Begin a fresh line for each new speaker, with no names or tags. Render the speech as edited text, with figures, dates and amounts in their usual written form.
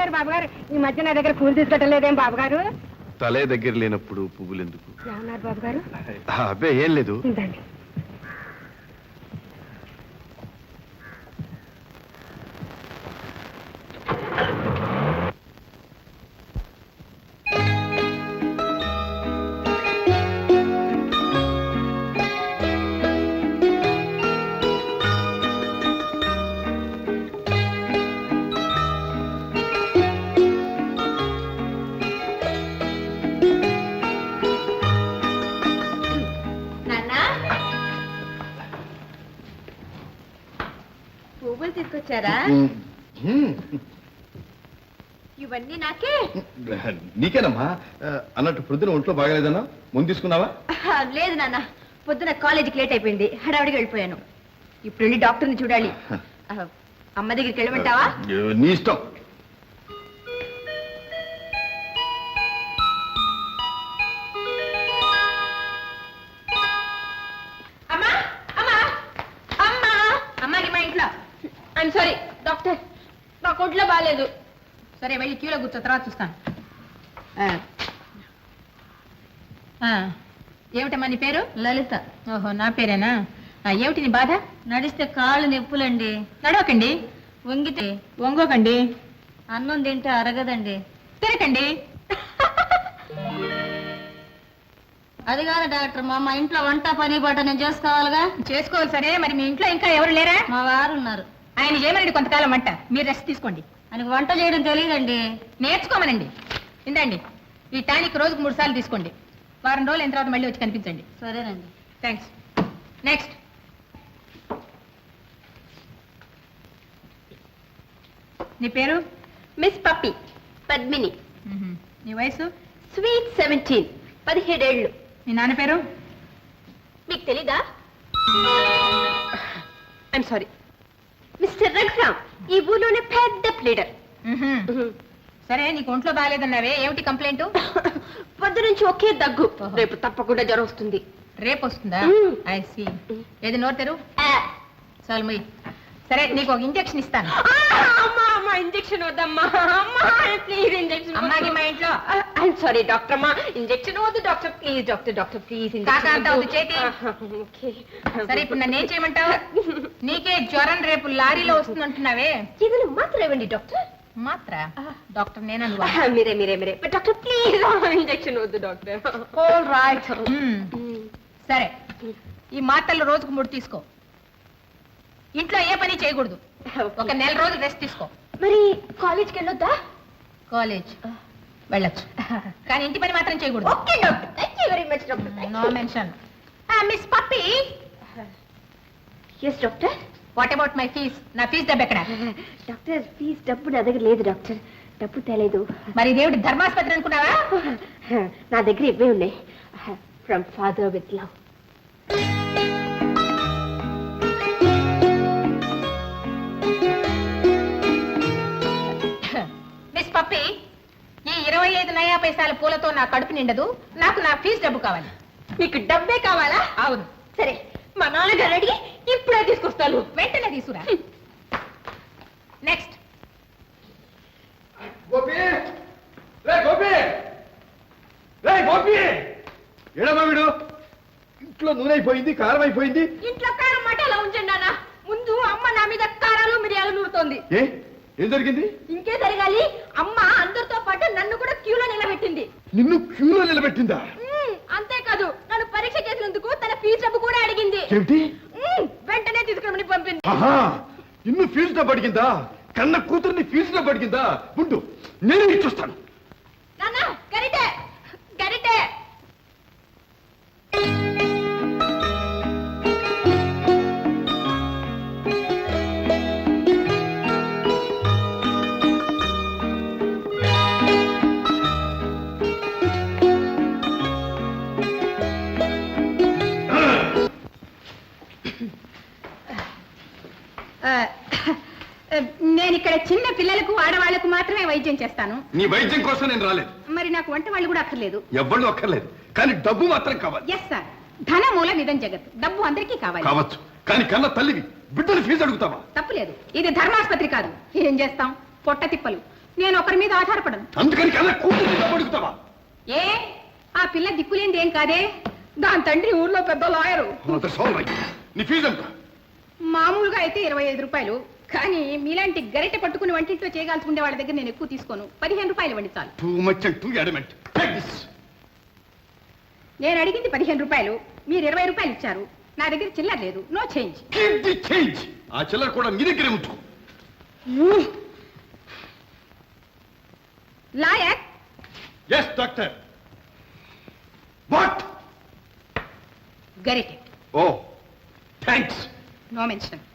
బాబుగారు ఈ మధ్య నా దగ్గర పూలు తీసుకెట్టలేదేం బాబుగారు?
తలే దగ్గర లేనప్పుడు పువ్వులు ఎందుకు?
ఏమన్నారు బాబుగారు?
అబ్బే ఏం లేదు.
ఇందండి.
పువ్వులు తీసుకొచ్చారా? ఇవన్నీ నాకే?
నీకేనమ్మా. అన్నట్టు పొద్దున ఒంట్లో బాగాలేదన్నా, ముందు తీసుకున్నావా?
లేదు నాన్న, పొద్దున కాలేజీకి లేట్ అయిపోయింది, హడావిడికి వెళ్ళిపోయాను. ఇప్పుడు వెళ్ళి డాక్టర్ని చూడాలి. అమ్మ దగ్గరికి వెళ్ళమంటావా?
నీ ఇష్టం.
అమ్మాకి మా ఇంట్లో. ఐఎమ్ సారీ డాక్టర్, నాకు ఒంట్లో బాగాలేదు. సరే వెళ్ళి క్యూలో కూర్చో, తర్వాత చూస్తాను. ఏమిటమ్మా నీ పేరు? లలిత. ఓహో, నా పేరేనా? ఏమిటి నీ బాధ? నడిస్తే కాళ్ళు నొప్పులండి. నడవకండి. వంగితే వంగోకండి. అన్నం తింటే అరగదండి. తినకండి. అది కాదు డాక్టర్, మా ఇంట్లో వంట పని పాట నేను చేసుకోవాలిగా. చేసుకోవాలి. సరే, మరి మీ ఇంట్లో ఇంకా ఎవరు లేరా? మా వారు ఉన్నారు. ఆయన చేయమనండి కొంతకాలం వంట, మీరు రెస్ట్ తీసుకోండి. ఆయనకు వంట చేయడం తెలియదండి. నేర్చుకోమనండి. ఇందండి, ఈ టానిక్ రోజుకు 3 సార్లు తీసుకోండి. వారం రోజులు అయిన తర్వాత మళ్ళీ వచ్చి కనిపించండి. సరేనండి. థ్యాంక్స్. నెక్స్ట్. నీ పేరు? మిస్ పప్పి, పద్మిని. నీ వయసు? స్వీట్ 17, 17 ఏళ్ళు. మీ నాన్న పేరు? మీకు తెలీదా? ఐఎమ్ సారీ, మిస్టర్ రఘురామ్, ఈ ఊళ్ళోనే పెద్ద ప్లీడర్. సరే, నీకు ఒంట్లో బాగాలేదన్నావే, ఏమిటి కంప్లైంట్? పొద్దు నుంచి ఒకే దగ్గు. రేపు తప్పకుండా జ్వరం వస్తుంది. రేపు వస్తుందా? I see. ఏది నోరు తెరు. చాలు మొయ్. సరే, నీకు ఒక ఇంజెక్షన్ ఇస్తాను. ఇంజెక్షన్ వద్దమ్మా, ప్లీజ్ ఇంజెక్షన్. అమ్మాకి మా ఇంట్లో. ఐఎమ్ సారీ డాక్టర్ అమ్మా, ఇంజెక్షన్ వద్దు doctor, please doctor, doctor please. చేతి. సరే, ఇప్పుడు నన్ను ఏం చేయమంటావు? నీకే జ్వరం రేపు లారీలో వస్తుందంటున్నావే, ఏదైనా మాత్ర ఇవ్వండి డాక్టర్. మాత్ర? డాక్టర్ నేనా? మీరే మీరే మీరే డాక్టర్, ప్లీజ్ ఇంజెక్షన్ వద్దు డాక్టర్. All right. సరే, ఈ మాత్రలు రోజుకు 3 తీసుకో. ఇంట్లో ఏ పని చేయకూడదు. ఒక 1 నెల రోజులు రెస్ట్ తీసుకో. మరి కాలేజ్కి వెళ్ళొద్దా? కాలేజ్ వెళ్ళొచ్చు, కానీ ఇంటి పని మాత్రం చేయకూడదు. Okay doctor, thank you very much doctor. No mention. Miss Pappi. yes doctor. What about my fees? నా ఫీజ్ డబ్బు ఎక్కడ? డాక్టర్, ఫీజ్ డబ్బు నా దగ్గర లేదు డాక్టర్, డబ్బు తేలేదు. మరి దేవుడి ధర్మాస్పత్రి అనుకున్నావా? నా దగ్గర ఇవే ఉన్నాయి. From father with love. Miss Pappi, ఈ 25 నయా పైసల పూలతో నా కడుపు నిండదు. నాకు నా ఫీజు డబ్బు కావాలి. మీకు డబ్బే కావాలా? అవును. సరే, మా నాన్నగారు అడిగి ఇప్పుడే తీసుకొస్తాను. వెంటనే తీసుకురా. నెక్స్ట్.
గోపి, రే గోపి, రే గోపి, ఏడమ్మా వీడు? ఇంట్లో నూనె అయిపోయింది, కారం అయిపోయింది.
ఇంట్లో కారం మాట ఎలా ఉంచండి నాన్న. ముందు అమ్మ నా మీద కారాలు మిరియాలు నూరుతోంది.
ఏం జరిగింది?
ఇంకే జరగాలి, అమ్మ అందరితో పాటు నన్ను కూడా క్యూలో నిలబెట్టింది.
నిన్ను క్యూలో నిలబెట్టిందా?
అంతేకాదు, నన్ను పరీక్ష చేసినందుకు తన ఫీజు డబ్బు కూడా అడిగింది.
ఏమిటి?
వెంటనే తీసుకురమని పంపింది.
నిన్ను ఫీజు డబ్బు అడిగిందా? కన్న కూతుర్ని ఫీజు డబ్బు అడిగిందా? ఉండు, నేను ఇచ్చొస్తాను.
నాన్న, గరిటే గరిటే. నేను ఇక్కడ చిన్న పిల్లలకు ఆడవాళ్లకు మాత్రమే వైద్యం చేస్తాను.
నీ వైద్యం కోసం నేను రాలేదు.
మరి నాకు వంట వాళ్ళు కూడా అక్కర్లేదు.
ఎవ్వళ్ళు అక్కర్లేదు, కానీ డబ్బు మాత్రం కావాలి.
ఎస్ సార్, ధన మూల నిధం జగత్. డబ్బు అందరికీ కావాలి.
కావచ్చు, కానీ కన్న తల్లివి బిడ్డలు ఫీజు అడుగుతావా?
తప్పులేదు, ఇది ధర్మాస్పత్రి కాదు. ఏం చేస్తాం, పొట్ట తిప్పలు. నేను ఒకరి మీద ఆధారపడను.
అందుకని కదా కూతురు పడుకుతావా?
ఏ ఆ పిల్ల దిక్కులేంది ఏం కాదే, దాని తండ్రి ఊర్లో పెద్ద లాయరు.
నీ ఫీజు ఎంత?
మామూలుగా అయితే 25 రూపాయలు, కానీ మీలాంటి గరిటె పట్టుకుని వంటింట్లో చేయగలుచుకునే వాళ్ళ దగ్గర నేను ఎక్కువ తీసుకోను. 15 రూపాయలు ఇవ్వండి చాలు.
Too much and too adamant.
నేను అడిగింది 15 రూపాయలు, మీరు 20 రూపాయలు ఇచ్చారు. నా దగ్గర చిల్లర లేదు, no change.
Keep the change. ఆ చిల్లర కూడా మీ దగ్గరే ఉంచుకో.
లాయర్.
Yes doctor. వాట్?
గరిటె.
Oh thanks.
No mention.